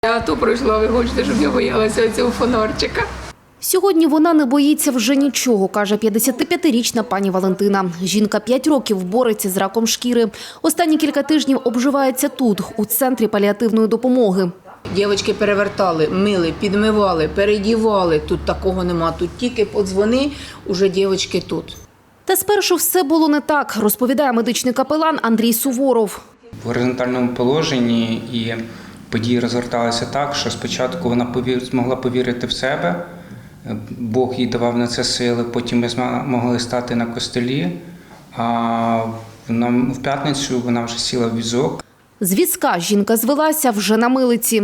Я то пройшла, ви хочете, щоб я боялася цього фонарчика. Сьогодні вона не боїться вже нічого, каже 55-річна пані Валентина. Жінка 5 років бореться з раком шкіри. Останні кілька тижнів обживається тут, у центрі паліативної допомоги. Дівчатки перевертали, мили, підмивали, передівали. Тут такого нема, тут тільки подзвони, уже дівчатки тут. Та спершу все було не так, розповідає медичний капелан Андрій Суворов. В горизонтальному положенні і події розгорталися так, що спочатку вона змогла повірити в себе, Бог їй давав на це сили, потім ми змогли стати на костелі, а в п'ятницю вона вже сіла в візок. З візка жінка звелася вже на милиці.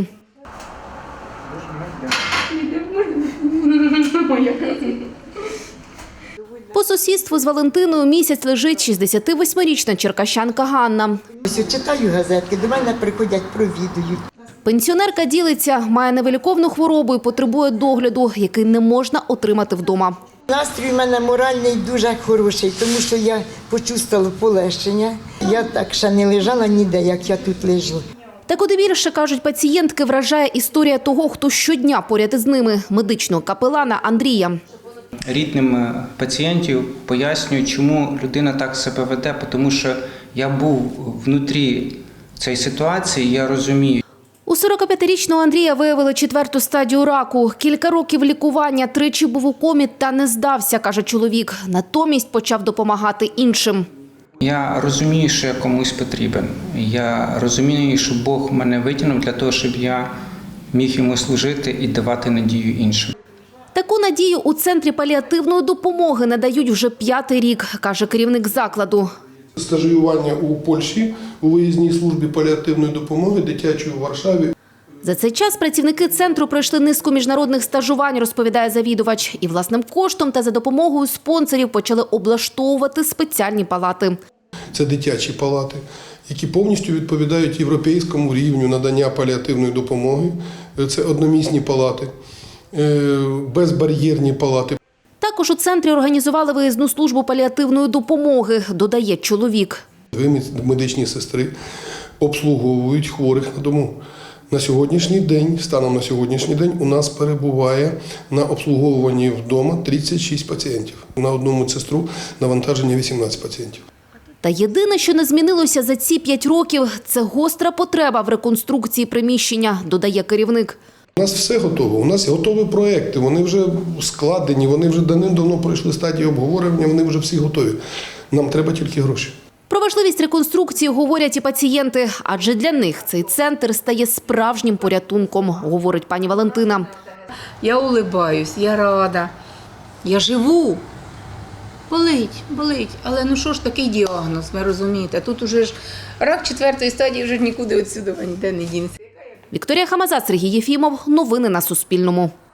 По сусідству з Валентиною місяць лежить 68-річна черкащанка Ганна. Ось читаю газетки, до мене приходять, провідують. Пенсіонерка ділиться, має невиліковну хворобу і потребує догляду, який не можна отримати вдома. Настрій у мене моральний дуже хороший, тому що я почувствувала полегшення. Я так ще не лежала ніде, як я тут лежу. Та куди більше, кажуть пацієнтки, вражає історія того, хто щодня поряд із ними – медичного капелана Андрія. Рідним пацієнтів пояснюю, чому людина так себе веде, тому що я був внутрі цієї ситуації, я розумію. У 45-річного Андрія виявили 4-ту стадію раку. Кілька років лікування, тричі був у комі та не здався, каже чоловік. Натомість почав допомагати іншим. Я розумію, що я комусь потрібен. Я розумію, що Бог мене витягнув для того, щоб я міг йому служити і давати надію іншим. Таку надію у центрі паліативної допомоги надають вже 5-й рік, каже керівник закладу. Стажування у Польщі у виїзній службі паліативної допомоги дитячої у Варшаві. За цей час працівники центру пройшли низку міжнародних стажувань, розповідає завідувач. І власним коштом та за допомогою спонсорів почали облаштовувати спеціальні палати. Це дитячі палати, які повністю відповідають європейському рівню надання паліативної допомоги. Це одномісні палати, безбар'єрні палати. Також у центрі організували виїзну службу паліативної допомоги, додає чоловік. 2 медичні сестри обслуговують хворих на дому. На сьогоднішній день, станом на сьогоднішній день, у нас перебуває на обслуговуванні вдома 36 пацієнтів. На одну медсестру навантаження 18 пацієнтів. Та єдине, що не змінилося за ці 5 років – це гостра потреба в реконструкції приміщення, додає керівник. У нас все готово, у нас готові проекти, вони вже складені, вони вже давним-давно пройшли стадію обговорення, вони вже всі готові. Нам треба тільки гроші. Про важливість реконструкції говорять і пацієнти, адже для них цей центр стає справжнім порятунком, говорить пані Валентина. Я улибаюсь, я рада, я живу. Болить, але ну що ж такий діагноз, ви розумієте? Тут уже ж рак 4-ї стадії, вже нікуди відсюди ніде не дінеться. Вікторія Хамаза, Сергій Єфімов. Новини на Суспільному.